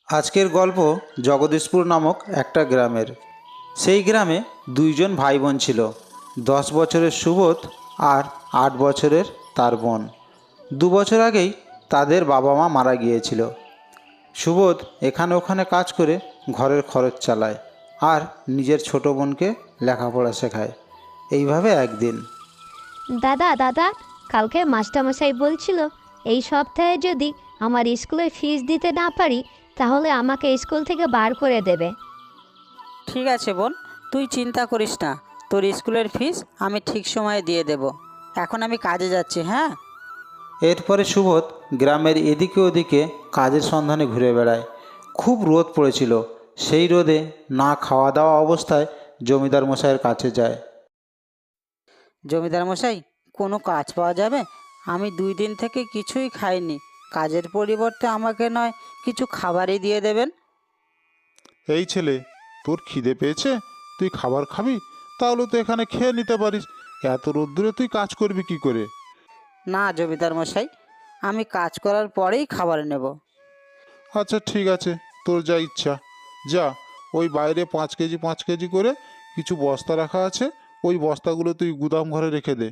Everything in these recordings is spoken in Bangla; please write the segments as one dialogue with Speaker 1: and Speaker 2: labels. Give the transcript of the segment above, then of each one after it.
Speaker 1: আজকের গল্প জগদীশপুর নামক একটা গ্রামের। সেই গ্রামে দুইজন ভাই বোন ছিল, 10 বছরের সুবোধ আর 8 বছরের তার বোন। 2 বছর আগেই তাদের বাবা মা মারা গিয়েছিল। সুবোধ এখানে ওখানে কাজ করে ঘরের খরচ চালায় আর নিজের ছোট বোনকে লেখাপড়া শেখায়। এইভাবে একদিন
Speaker 2: দাদা দাদা কালকে মাস্টারমশাই বলছিল এই সপ্তাহে যদি আমার স্কুলের ফিস দিতে না পারি তাহলে আমাকে স্কুল থেকে বার করে দেবে।
Speaker 3: ঠিক আছে বোন, তুই চিন্তা করিস না, তোর স্কুলের ফিস আমি ঠিক সময়ে দিয়ে দেব। এখন আমি কাজে যাচ্ছি। হ্যাঁ,
Speaker 1: এরপরে সুবোধ গ্রামের এদিকে ওদিকে কাজের সন্ধানে ঘুরে বেড়ায়। খুব রোদ পড়েছিল। সেই রোদে না খাওয়া দাওয়া অবস্থায় জমিদার মশাইয়ের কাছে যায়।
Speaker 3: জমিদার মশাই, কোনো কাজ পাওয়া যাবে? আমি 2 দিন থেকে কিছুই খাইনি। কাজের পরিবর্তে আমাকে নয় কিছু খাবারই দিয়ে দেবেন।
Speaker 4: এই ছেলে, তোর খিদে পেয়েছে, তুই খাবার খাবি? তাহলে তো এখানে খেয়ে নিতে পারিস। এত রোদ্দুরে তুই কাজ করবি কি করে?
Speaker 3: না জমিদার মশাই, আমি কাজ করার পরেই খাবার নেব।
Speaker 4: আচ্ছা ঠিক আছে, তোর যা ইচ্ছা। যা, ওই বাইরে 5 কেজি 5 কেজি করে কিছু বস্তা রাখা আছে, ওই বস্তাগুলো তুই গুদাম ঘরে রেখে দে।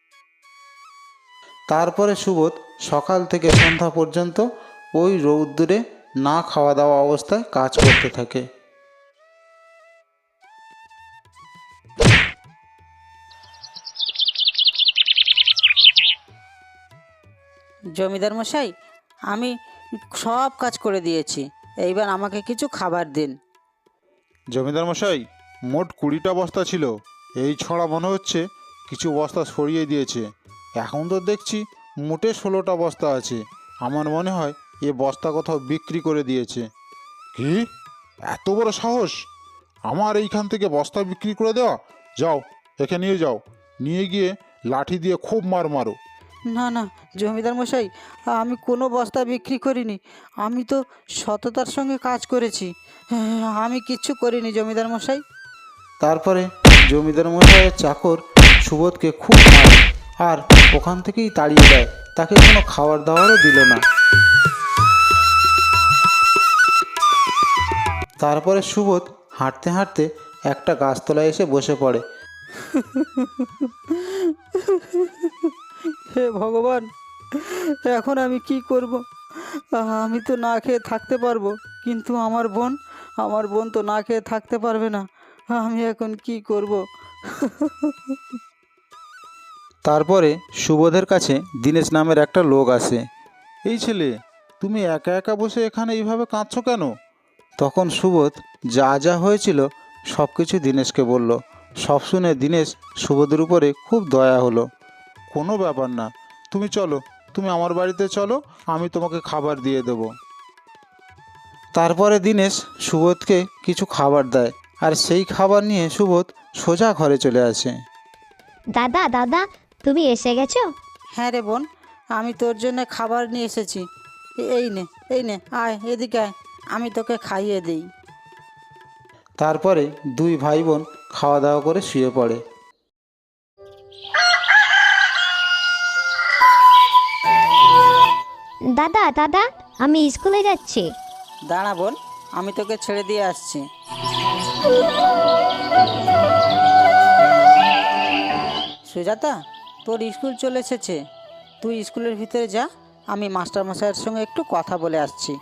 Speaker 1: তারপরে সুবোধ সকাল থেকে সন্ধ্যা পর্যন্ত ওই রৌদ্দুরে না খাওয়া দাওয়া অবস্থায় কাজ করতে থাকে।
Speaker 3: জমিদার মশাই, আমি সব কাজ করে দিয়েছি, এইবার আমাকে কিছু খাবার দিন।
Speaker 4: জমিদার মশাই, মোট 20টা বস্তা ছিল। এই ছড়া মনে হচ্ছে কিছু বস্তা সরিয়ে দিয়েছে। এখন তো দেখছি মোটে 16টা বস্তা আছে। আমার মনে হয় এ বস্তা কোথাও বিক্রি করে দিয়েছে। কি, এত বড় সাহস আমার এইখান থেকে বস্তা বিক্রি করে দেওয়া? যাও, একে নিয়ে যাও, নিয়ে গিয়ে লাঠি দিয়ে খুব মারো।
Speaker 3: না না জমিদার মশাই, আমি কোনো বস্তা বিক্রি করিনি। আমি তো সততার সঙ্গে কাজ করেছি। আমি কিচ্ছু করিনি জমিদার মশাই।
Speaker 1: তারপরে জমিদার মশাইয়ের চাকর সুবোধকে খুব মারে আর ওখান থেকেই তাড়িয়ে দেয়। তাকে কোনো খাবার দাবারও দিল না। তারপরে সুবোধ হাঁটতে হাঁটতে একটা গাছতলায় এসে বসে পড়ে।
Speaker 3: হে ভগবান, এখন আমি কি করব? আমি তো না খেয়ে থাকতে পারবো, কিন্তু আমার বোন তো না খেয়ে থাকতে পারবে না। আমি এখন কি করব?
Speaker 1: তারপরে সুবোধের কাছে দীনেশ নামের একটা লোক আসে।
Speaker 4: এই ছেলে, তুমি একা একা বসে এখানে এইভাবে কাঁদছো কেন?
Speaker 1: তখন সুবোধ যা যা হয়েছিল সব কিছু দীনেশকে বলল। সব শুনে দীনেশ সুবোধের উপরে খুব দয়া হলো।
Speaker 4: কোনো ব্যাপার না, তুমি চলো, তুমি আমার বাড়িতে চলো, আমি তোমাকে খাবার দিয়ে দেবো।
Speaker 1: তারপরে দীনেশ সুবোধকে কিছু খাবার দেয় আর সেই খাবার নিয়ে সুবোধ সোজা ঘরে চলে আসে।
Speaker 2: দাদা দাদা তুমি এসে গেছো?
Speaker 3: হ্যাঁ রে বোন, আমি তোর জন্য খাবার নিয়ে এসেছি। এই নে, আয় এদিকে আয়, আমি তোকে খাইয়ে দিই।
Speaker 1: তারপরে দুই ভাই বোন খাওয়া দাওয়া করে শুয়ে পড়ে।
Speaker 2: দাদা দাদা আমি স্কুলে যাচ্ছি।
Speaker 3: দাঁড়া বোন, আমি তোকে ছেড়ে দিয়ে আসছি। সুজাতা, তোর স্কুল চলে এসেছে। তুই স্কুলের ভিতরে যা, আমি মাস্টারমশাইয়ের সঙ্গে একটু কথা বলে আসছি।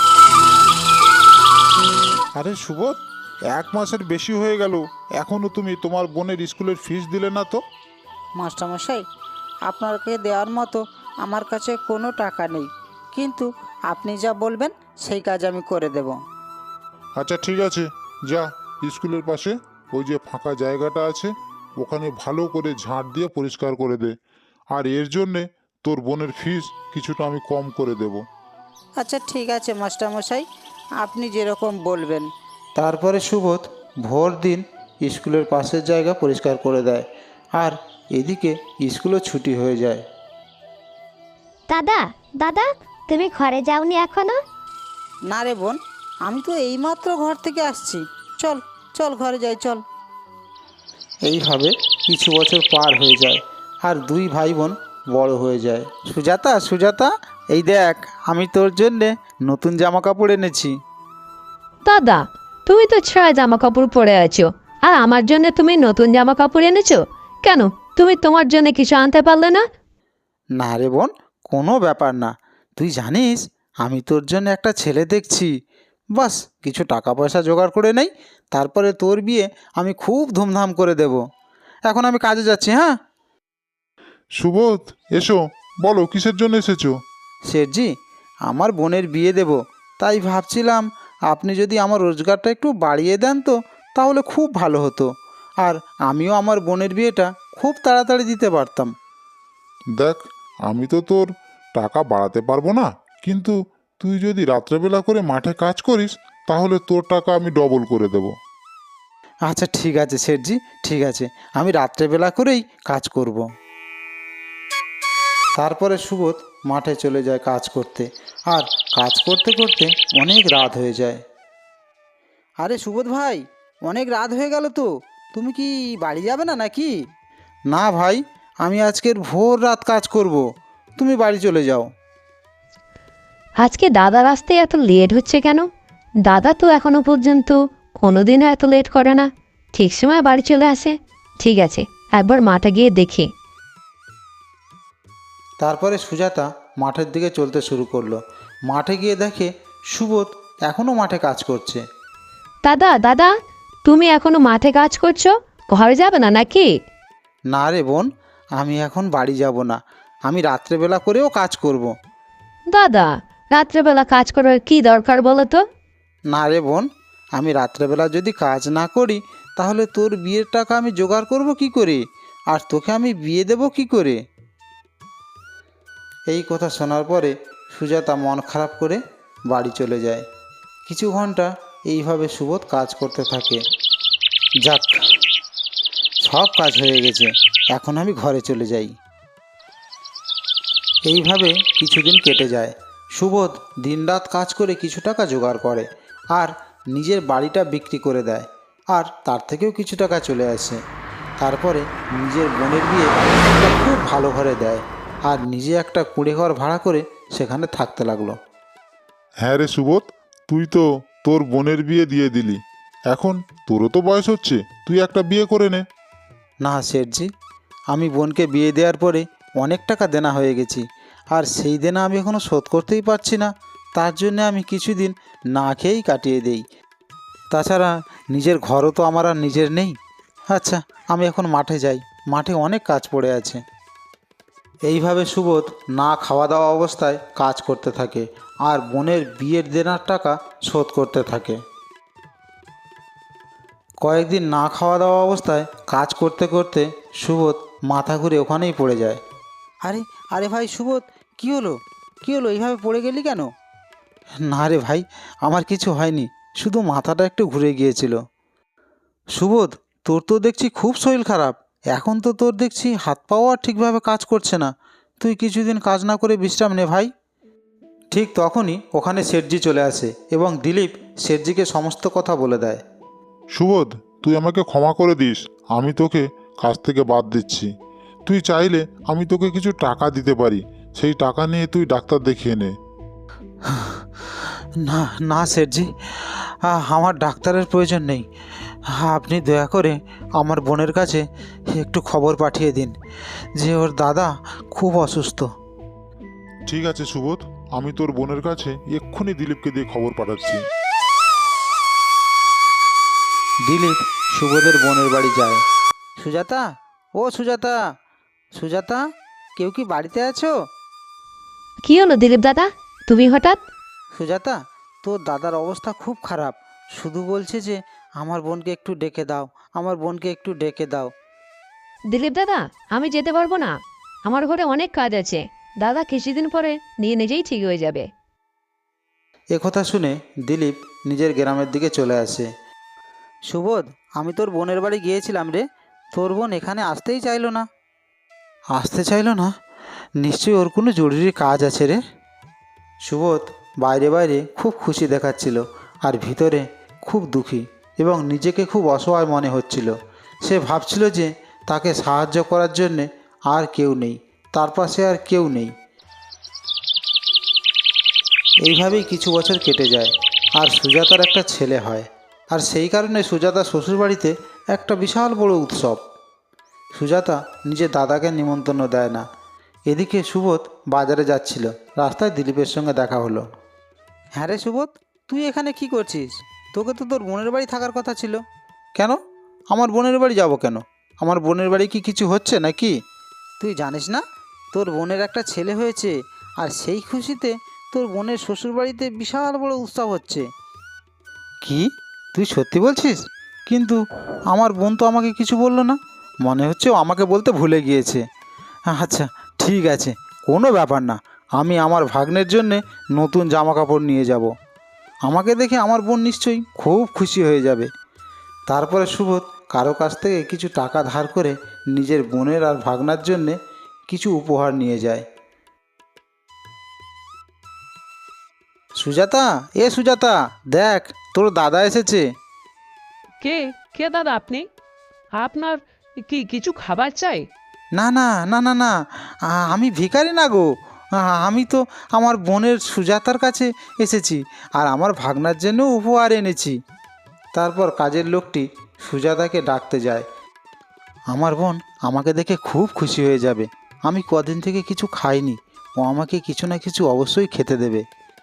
Speaker 4: আরে সুবোধ, 1 মাসের বেশি হয়ে গেল, এখনও তুমি তোমার বোনের স্কুলের ফিস দিলে না তো?
Speaker 3: মাস্টারমশাই, আপনাকে দেওয়ার মতো আমার কাছে কোনো টাকা নেই, কিন্তু আপনি যা বলবেন সেই কাজ আমি করে দেব।
Speaker 4: আচ্ছা ঠিক আছে, যা, স্কুলের পাশে ওই যে ফাঁকা জায়গাটা আছে ওখানে ভালো করে ঝাঁট দিয়ে পরিষ্কার করে দে। আর এর জন্যে তোর বোনের ফিস কিছুটা আমি কম করে দেব।
Speaker 3: আচ্ছা ঠিক আছে মাস্টারমশাই, আপনি যেরকম বলবেন।
Speaker 1: তারপরে সুবোধ ভোর দিন স্কুলের পাশের জায়গা পরিষ্কার করে দেয় আর এদিকে স্কুলও ছুটি হয়ে যায়।
Speaker 2: দাদা দাদা তুমি ঘরে যাওনি এখনো?
Speaker 3: না রে বোন, আমি তো এইমাত্র ঘর থেকে আসছি। চল চল ঘরে যাই, চল।
Speaker 1: এইভাবে কিছু বছর পার হয়ে যায় আর দুই ভাই বোন বড় হয়ে যায়। সুজাতা সুজাতা, এই দেখ আমি তোর জন্যে নতুন জামা কাপড় এনেছি।
Speaker 2: দাদা, তুমি তো ছেঁড়া জামা কাপড় পরে আছো, আর আমার জন্য তুমি নতুন জামা কাপড় এনেছো কেন? তুমি তোমার জন্য কিছু আনতে পারলে না?
Speaker 1: না রে বোন, কোনো ব্যাপার না। তুই জানিস আমি তোর জন্য একটা ছেলে দেখছি। বাস কিছু টাকা পয়সা জোগাড় করে নেই, তারপরে তোর বিয়ে আমি খুব ধুমধাম করে দেব। এখন আমি কাজে যাচ্ছি, হ্যাঁ?
Speaker 4: সুবোধ, এসো, বলো কিসের জন্য এসেছো?
Speaker 1: শেঠজি, আমার বোনের বিয়ে দেব, তাই ভাবছিলাম আপনি যদি আমার রোজগারটা একটু বাড়িয়ে দেন তো তাহলে খুব ভালো হতো, আর আমিও আমার বোনের বিয়েটা খুব তাড়াতাড়ি দিতে পারতাম।
Speaker 4: দেখ, আমি তো তোর টাকা বাড়াতে পারবো না, কিন্তু তুই যদি রাত্রেবেলা করে মাঠে কাজ করিস তাহলে তোর টাকা আমি ডবল করে দেব।
Speaker 1: আচ্ছা ঠিক আছে শেঠজি, ঠিক আছে, আমি রাত্রেবেলা করেই কাজ করব। তারপরে সুবোধ মাঠে চলে যায় কাজ করতে, আর কাজ করতে করতে অনেক রাত হয়ে যায়।
Speaker 3: আরে সুবোধ ভাই, অনেক রাত হয়ে গেল তো, তুমি কি বাড়ি যাবে না নাকি?
Speaker 1: না ভাই, আমি আজকের ভোর রাত কাজ করব, তুমি বাড়ি চলে যাও।
Speaker 2: আজকে দাদার আসতে এত লেট হচ্ছে কেন? দাদা তো এখনো পর্যন্ত কোনোদিনও এত লেট করে না, ঠিক সময় বাড়ি চলে আসে। ঠিক আছে, একবার মাঠে গিয়ে দেখি।
Speaker 1: তারপরে সুজাতা মাঠের দিকে চলতে শুরু করলো। মাঠে গিয়ে দেখে সুবোধ এখনও মাঠে কাজ করছে।
Speaker 2: দাদা দাদা, তুমি এখনো মাঠে কাজ করছো? ঘরে যাবে না নাকি?
Speaker 1: না রে বোন, আমি এখন বাড়ি যাব না, আমি রাত্রেবেলা করেও কাজ করব।
Speaker 2: দাদা, রাত্রেবেলা কাজ করার কি দরকার বলো তো?
Speaker 1: না রে বোন, আমি রাত্রেবেলা যদি কাজ না করি তাহলে তোর বিয়ের টাকা আমি জোগাড় করব কি করে, আর তোকে আমি বিয়ে দেব কি করে? এই কথা শোনার পরে সুজাতা মন খারাপ করে বাড়ি চলে যায়। কিছু ঘন্টা এইভাবে সুবোধ কাজ করতে থাকে। যাক, সব কাজ হয়ে গেছে, এখন আমি ঘরে চলে যাই। এইভাবে কিছুদিন কেটে যায়। সুবোধ দিনরাত কাজ করে কিছু টাকা জোগাড় করে, আর নিজের বাড়িটা বিক্রি করে দেয়, আর তার থেকেও কিছু টাকা চলে আসে। তারপরে নিজের বোনের বিয়ে একটা খুব ভালো ঘরে দেয়, আর নিজে একটা কুঁড়ে ঘর ভাড়া করে সেখানে থাকতে লাগলো।
Speaker 4: হ্যাঁ রে সুবোধ, তুই তো তোর বোনের বিয়ে দিয়ে দিলি, এখন তোরও তো বয়স হচ্ছে, তুই একটা বিয়ে করে নে।
Speaker 1: না শেঠজি, আমি বোনকে বিয়ে দেওয়ার পরে অনেক টাকা দেনা হয়ে গেছি, আর সেই দেনা আমি এখনও শোধ করতেই পারছি না। তার জন্য আমি কিছুদিন না খেয়েই কাটিয়ে দেই। তাছাড়া নিজের ঘরও তো আমার আর নিজের নেই। আচ্ছা, আমি এখন মাঠে যাই, মাঠে অনেক কাজ পড়ে আছে। এইভাবে সুবোধ না খাওয়া দাওয়া অবস্থায় কাজ করতে থাকে, আর বোনের বিয়ের দেনার টাকা শোধ করতে থাকে। কয়েকদিন না খাওয়া দাওয়া অবস্থায় কাজ করতে করতে সুবোধ মাথা ঘুরে ওখানেই পড়ে যায়।
Speaker 3: আরে আরে ভাই সুবোধ, কি হলো? কি হলো, এইভাবে পড়ে গেলি কেন?
Speaker 1: না রে ভাই, আমার কিছু হয়নি, শুধু মাথাটা একটু ঘুরে গিয়েছিল। সুবোধ, তোর তো দেখছি খুব শরীর খারাপ, এখন তো তোর দেখছি হাত পাও আর ঠিকভাবে কাজ করছে না। তুই কিছুদিন কাজ না করে বিশ্রাম নে ভাই। ঠিক তখনই ওখানে শেঠজি চলে আসে এবং দিলীপ শেঠজিকে সমস্ত কথা বলে দেয়।
Speaker 4: সুবোধ, তুই আমাকে ক্ষমা করে দিস, আমি তোকে কাজ থেকে বাদ দিচ্ছি। তুই চাইলে আমি তোকে কিছু টাকা দিতে পারি, সেই টাকা নিয়ে তুই ডাক্তার দেখিয়ে নে।
Speaker 1: না না শেঠজি, আমার ডাক্তারের প্রয়োজন নেই। আপনি দয়া করে আমার বোনের কাছে একটু খবর পাঠিয়ে দিন যে ওর দাদা খুব অসুস্থ।
Speaker 4: ঠিক আছে সুবোধ, আমি তোর বোনের কাছে এক্ষুনি দিলীপকে দিয়ে খবর পাঠাচ্ছি।
Speaker 1: দিলীপ সুবোধের বোনের বাড়ি যায়।
Speaker 3: সুজাতা, ও সুজাতা, সুজাতা, কেউ কি বাড়িতে আছো?
Speaker 2: কি হলো দিলীপ দাদা, তুমি হঠাৎ?
Speaker 3: সুজাতা, তোর দাদার অবস্থা খুব খারাপ, শুধু বলছে যে আমার বোনকে একটু ডেকে দাও, আমার বোনকে একটু ডেকে দাও।
Speaker 2: দিলীপ দাদা, আমি যেতে পারবো না, আমার ঘরে অনেক কাজ আছে। দাদা কিছুদিন পরে নিজেই ঠিক হয়ে যাবে।
Speaker 1: একথা শুনে দিলীপ নিজের গ্রামের দিকে চলে আসে।
Speaker 3: সুবোধ, আমি তোর বোনের বাড়ি গিয়েছিলাম রে, তোর বোন এখানে আসতেই চাইলো না।
Speaker 1: আসতে চাইলো না? নিশ্চয়ই ওর কোনো জরুরি কাজ আছে রে। সুবোধ বাইরে বাইরে খুব খুশি দেখাচ্ছিল, আর ভিতরে খুব দুঃখী এবং নিজেকে খুব অসহায় মনে হচ্ছিল। সে ভাবছিল যে তাকে সাহায্য করার জন্যে আর কেউ নেই, তার পাশে আর কেউ নেই। এইভাবেই কিছু বছর কেটে যায়, আর সুজাতার একটা ছেলে হয়। আর সেই কারণে সুজাতা শ্বশুরবাড়িতে একটা বিশাল বড় উৎসব। সুজাতা নিজের দাদাকে নিমন্ত্রণ দেয় না। এদিকে সুবোধ বাজারে যাচ্ছিল, রাস্তায় দিলীপের সঙ্গে দেখা হলো।
Speaker 3: হ্যাঁ রে সুবোধ, তুই এখানে কি করছিস? তোকে তো তোর বোনের বাড়ি থাকার কথা ছিল।
Speaker 1: কেন? আমার বোনের বাড়ি যাব কেন? আমার বোনের বাড়ি কি কিছু হচ্ছে নাকি?
Speaker 3: তুই জানিস না, তোর বোনের একটা ছেলে হয়েছে, আর সেই খুশিতে তোর বোনের শ্বশুরবাড়িতে বিশাল বড় উৎসব হচ্ছে।
Speaker 1: কি? তুই সত্যি বলছিস? কিন্তু আমার বোন তো আমাকে কিছু বললো না। মনে হচ্ছে ও আমাকে বলতে ভুলে গিয়েছে। আচ্ছা, ঠিক আছে, কোনো ব্যাপার না। আমি আমার ভাগ্নের জন্যে নতুন জামা কাপড় নিয়ে যাব। আমাকে দেখে আমার বোন নিশ্চয়ই খুব খুশি হয়ে যাবে। তারপরে সুবোধ কারো কাছ থেকে কিছু টাকা ধার করে নিজের বোনের আর ভাগনার জন্যে কিছু উপহার নিয়ে যায়। সুজাতা, সুজাতা, দেখ তোর দাদা এসেছে।
Speaker 5: কে কে দাদা আপনি? আপনার কি কিছু খাবার চাই?
Speaker 1: না না না না না, আমি ভিখারি না গো। আমি তো আমার বোনের সুজাতার কাছে এসেছি, আর আমার ভাগনার জন্য উপহার এনেছি। তারপর কাজের লোকটি সুজাতাকে ডাকতে যায়। আমার বোন আমাকে দেখে খুব খুশি হয়ে যাবে। আমি কদিন থেকে কিছু খাইনি, ও আমাকে কিছু না কিছু অবশ্যই খেতে দেবে।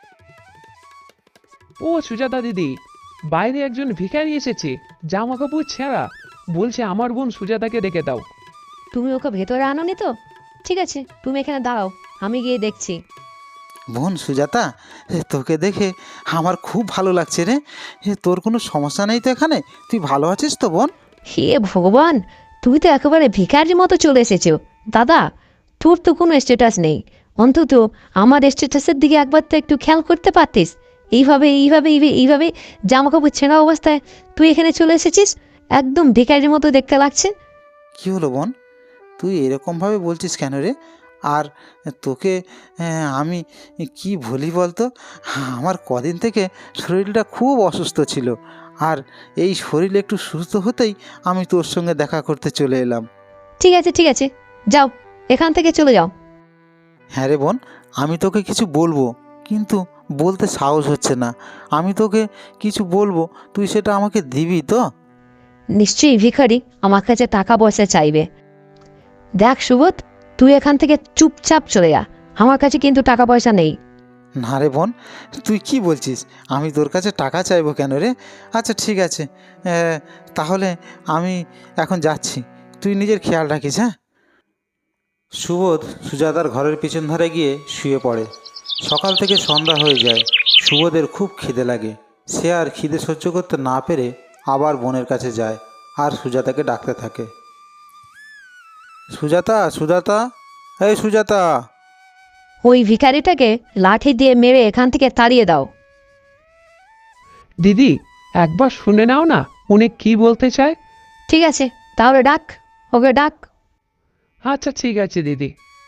Speaker 5: ও সুজাতা দিদি, বাইরে একজন ভিখারি এসেছে, জামা কাপড় ছেঁড়া, বলছে আমার বোন সুজাতাকে ডেকে দাও।
Speaker 2: তুমি ওকে ভেতরে আনোনি তো? ঠিক আছে, তুমি এখানে দাঁড়াও, আমি গিয়ে দেখছি।
Speaker 1: বোন সুজাতা, তোকে দেখে আমার খুব ভালো লাগছে রে। তোর কোনো সমস্যা নেই তো এখানে? তুই ভালো আছিস তো বোন?
Speaker 2: হে ভগবান, তুই তো একেবারে ভিখারির মতো চলে এসেছো। দাদা, তোর তো কোনো স্ট্যাটাস নেই, অন্তত আমার স্ট্যাটাসের দিকে একবার তো একটু খেয়াল করতে পারতিস। এইভাবে জামা কাপড় ছেঁড়া অবস্থায় তুই এখানে চলে এসেছিস, একদম ভিখারির মতো দেখতে লাগছে।
Speaker 1: কী হলো বোন, তুই এরকমভাবে বলছিস কেন রে? আর তোকে আমি কি বলি বলতো? আমার কদিন থেকে শরীরটা খুব অসুস্থ ছিল, আর এই শরীর একটু সুস্থ হতেই আমি তোর সঙ্গে দেখা করতে চলে এলাম।
Speaker 2: ঠিক আছে, যাও, এখান থেকে চলে যাও।
Speaker 1: হ্যাঁ রে বোন, আমি তোকে কিছু বলবো, কিন্তু বলতে সাহস হচ্ছে না। আমি তোকে কিছু বলবো, তুই সেটা আমাকে দিবি তো?
Speaker 2: নিশ্চয়ই ভিখারি আমার কাছে টাকা পয়সা চাইবে। দেখ সুবোধ, তুই এখান থেকে চুপচাপ চলে যা, আমার কাছে কিন্তু টাকা পয়সা নেই।
Speaker 1: না রে বোন, তুই কি বলছিস? আমি তোর কাছে টাকা চাইবো কেন রে? আচ্ছা ঠিক আছে, তাহলে আমি এখন যাচ্ছি, তুই নিজের খেয়াল রাখিস। হ্যাঁ। সুবোধ সুজাতার ঘরের পিছন ধারে গিয়ে শুয়ে পড়ে। সকাল থেকে সন্ধ্যা হয়ে যায়। সুবোধের খুব খিদে লাগে। সে আর খিদে সহ্য করতে না পেরে আবার বোনের কাছে যায় আর সুজাতাকে ডাকতে থাকে। সুজাতা, সুজাতা, এই সুজাতা।
Speaker 2: ওই ভিখারিটাকে লাঠি দিয়ে মেরে এখান থেকে তাড়িয়ে দাও।
Speaker 5: দিদি, একবার শুনে নাও না উনি কি বলতে চায়।
Speaker 2: ঠিক আছে, তাহলে ডাক, ওকে ডাক।
Speaker 5: আচ্ছা ঠিক আছে দিদি।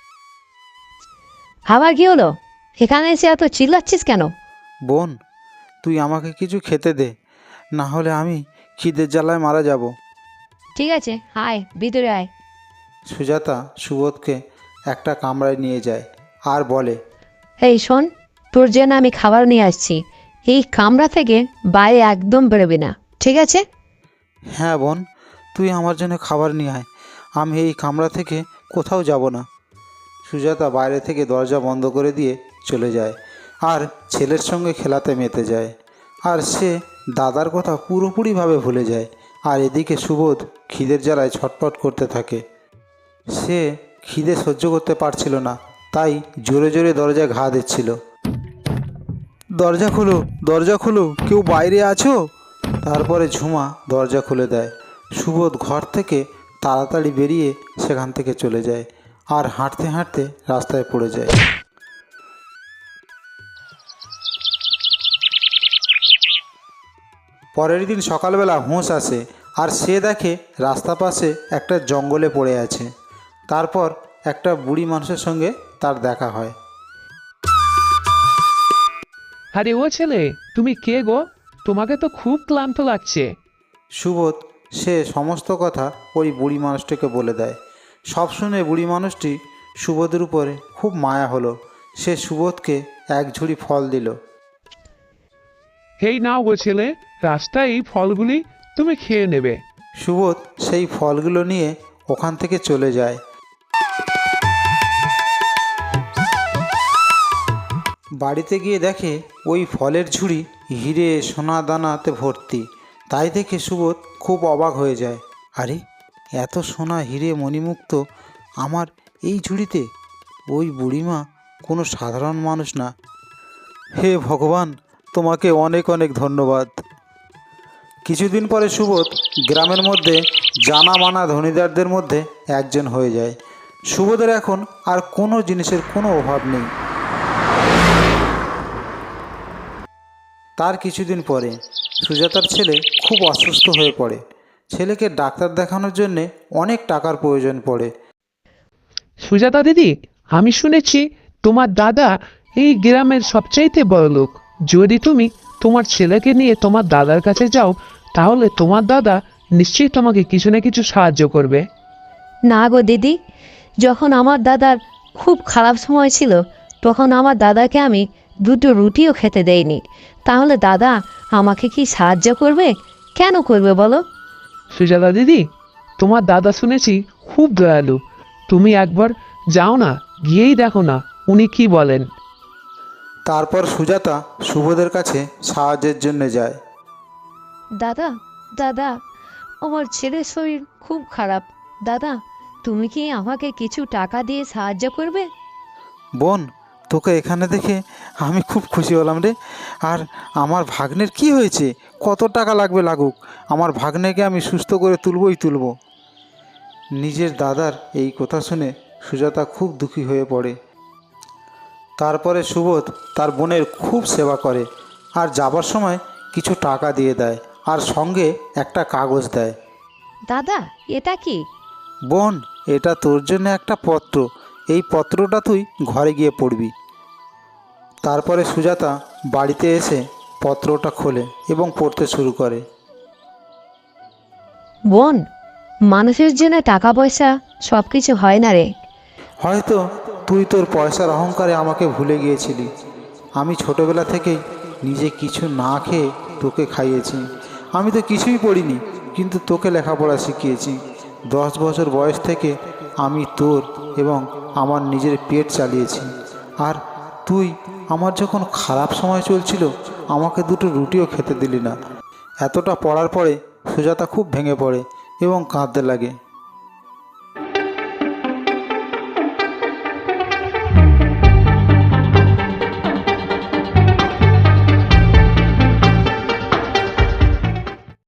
Speaker 2: আবার কি হলো? এখানে এসে এত চিল্লাচ্ছিস কেন?
Speaker 1: বোন, তুই আমাকে কিছু খেতে দে, না হলে আমি খিদের জ্বালায় মারা যাব।
Speaker 2: ঠিক আছে, আয় ভিতরে আয়।
Speaker 1: সুজাতা সুবোধকে একটা কামরায় নিয়ে যায় আর বলে,
Speaker 2: এই শোন, তোর জন্য আমি খাবার নিয়ে আসছি, এই কামরা থেকে বাইরে একদম বেরোবি না, ঠিক আছে?
Speaker 1: হ্যাঁ বোন, তুই আমার জন্য খাবার নিয়ে আয়, আমি এই কামরা থেকে কোথাও যাব না। সুজাতা বাইরে থেকে দরজা বন্ধ করে দিয়ে চলে যায় আর ছেলের সঙ্গে খেলাতে মেতে যায়। আর সে দাদার কথা পুরোপুরিভাবে ভুলে যায়। আর এদিকে সুবোধ খিদের জ্বালায় ছটফট করতে থাকে। সে খিদে সহ্য করতে পারছিল না, তাই জোরে জোরে দরজায় ঘা দিচ্ছিল। দরজা খোলো, দরজা খোলো, কেউ বাইরে আছো? তারপরে ঝুমা দরজা খুলে দেয়। সুবোধ ঘর থেকে তাড়াতাড়ি বেরিয়ে সেখান থেকে চলে যায় আর হাঁটতে হাঁটতে রাস্তায় পড়ে যায়। পরের দিন সকালবেলা হুঁশ আসে আর সে দেখে রাস্তা পাশে একটা জঙ্গলে পড়ে আছে। তারপর একটা বুড়ি মানুষের সঙ্গে তার দেখা হয়।
Speaker 5: আরে ও ছেলে, তুমি কে গো? তোমাকে তো খুব ক্লান্ত লাগছে।
Speaker 1: সুবোধ সে সমস্ত কথা ওই বুড়ি মানুষটিকে বলে দেয়। সব শুনে বুড়ি মানুষটি সুবোধের উপরে খুব মায়া হলো। সে সুবোধকে এক ঝুড়ি ফল দিল।
Speaker 5: এই নাও গো ছেলে, রাস্তায় এই ফলগুলি তুমি খেয়ে নেবে।
Speaker 1: সুবোধ সেই ফলগুলো নিয়ে ওখান থেকে চলে যায়। বাড়িতে গিয়ে দেখে ওই ফলের ঝুড়ি হিরে সোনা দানাতে ভর্তি। তাই দেখে সুবোধ খুব অবাক হয়ে যায়। আরে, এত সোনা হিরে মণিমুক্ত আমার এই ঝুড়িতে! ওই বুড়িমা কোনো সাধারণ মানুষ না। হে ভগবান, তোমাকে অনেক অনেক ধন্যবাদ। কিছুদিন পরে সুবোধ গ্রামের মধ্যে জানা মানা ধনীদারদের মধ্যে একজন হয়ে যায়। সুবোধের এখন আর কোনো জিনিসের কোনো অভাব নেই। তার কিছুদিন পরে সুজাতার ছেলে খুব অসুস্থ হয়ে পড়ে। ছেলেকে ডাক্তার দেখানোর জন্যে অনেক টাকার প্রয়োজন পড়ে।
Speaker 5: সুজাতা দিদি, আমি শুনেছি তোমার দাদা এই গ্রামের সবচাইতে বড় লোক। যদি তুমি তোমার ছেলেকে নিয়ে তোমার দাদার কাছে যাও, তাহলে তোমার দাদা নিশ্চয়ই তোমাকে কিছু না কিছু সাহায্য করবে।
Speaker 2: না গো দিদি, যখন আমার দাদার খুব খারাপ সময় ছিল তখন আমার দাদাকে আমি দুটো রুটিও খেতে দেইনি। তাহলে দাদা আমাকে কি সাহায্য করবে? কেন করবে বলো?
Speaker 5: সুজাতা দিদি, তোমার দাদা শুনেছি খুব দয়ালু। তুমি একবার যাও না, গিয়েই দেখো না উনি কি বলেন।
Speaker 1: তারপর সুজাতা সুবোধের কাছে সাহায্যের জন্য যায়।
Speaker 2: দাদা, দাদা, আমার ছেলের শরীর খুব খারাপ। দাদা, তুমি কি আমাকে কিছু টাকা দিয়ে সাহায্য করবে?
Speaker 1: বোন, তোকে এখানে দেখে আমি খুব খুশি হলাম রে। আর আমার ভাগ্নের কি হয়েছে? কত টাকা লাগবে লাগুক, আমার ভাগ্নেকে আমি সুস্থ করে তুলবই তুলব। নিজের দাদার এই কথা শুনে সুজাতা খুব দুঃখী হয়ে পড়ে। তারপরে সুবোধ তার বোনের খুব সেবা করে আর যাবার সময় কিছু টাকা দিয়ে দেয় আর সঙ্গে একটা কাগজ দেয়।
Speaker 2: দাদা, এটা কি?
Speaker 1: বোন, এটা তোর জন্য একটা পত্র। এই পত্রটা তুই ঘরে গিয়ে পড়বি। তারপরে সুজাতা বাড়িতে এসে পত্রটা খোলে এবং পড়তে শুরু করে।
Speaker 2: বোন, মানুষের জন্য টাকা পয়সা সব কিছু হয় না রে।
Speaker 1: হয়তো তুই তোর পয়সার অহংকারে আমাকে ভুলে গিয়েছিলি। আমি ছোটবেলা থেকেই নিজে কিছু না খেয়ে তোকে খাইয়েছি। আমি তো কিছুই পড়িনি, কিন্তু তোকে লেখাপড়া শিখিয়েছি। 10 বছর বয়স থেকে আমি তোর এবং আমার নিজের পেট চালিয়েছি। আর তুই আমার যখন খারাপ সময় চলছিল আমাকে দুটো রুটিও খেতে দিলি না। এতটা পড়ার পরে সুজাতা খুব ভেঙে পড়ে এবং কাঁদতে লাগে।